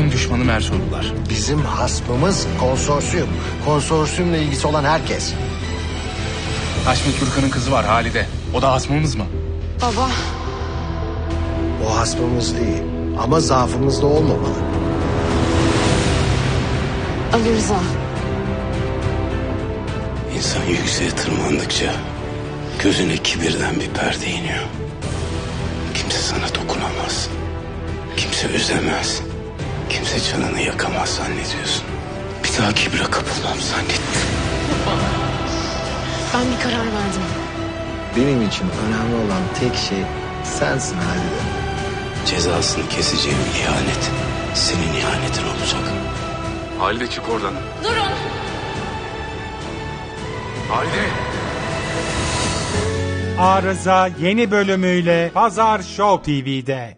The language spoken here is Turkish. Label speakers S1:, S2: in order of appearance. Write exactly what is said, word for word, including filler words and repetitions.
S1: Halkın düşmanı Mersoğlular.
S2: Bizim hasmımız konsorsiyum. Konsorsiyumla ilgisi olan herkes.
S1: Haşmet Gürkan'ın kızı var Halide. O da hasmımız mı?
S3: Baba.
S2: O hasmımız değil. Ama zaafımız da olmamalı.
S3: Ali Rıza.
S4: İnsan yükseğe tırmandıkça gözüne kibirden bir perde iniyor. Kimse sana dokunamaz. Kimse üzemez. Kimse canını yakamaz zannediyorsun. Bir daha kibre kapılmam zannetmiyorum.
S3: Ben bir karar verdim.
S2: Benim için önemli olan tek şey sensin Halide.
S4: Cezasını keseceğim ihanet senin ihanetin olacak.
S1: Halide çık oradan.
S3: Durun.
S1: Halide!
S5: Arıza yeni bölümüyle Pazar Show T V'de.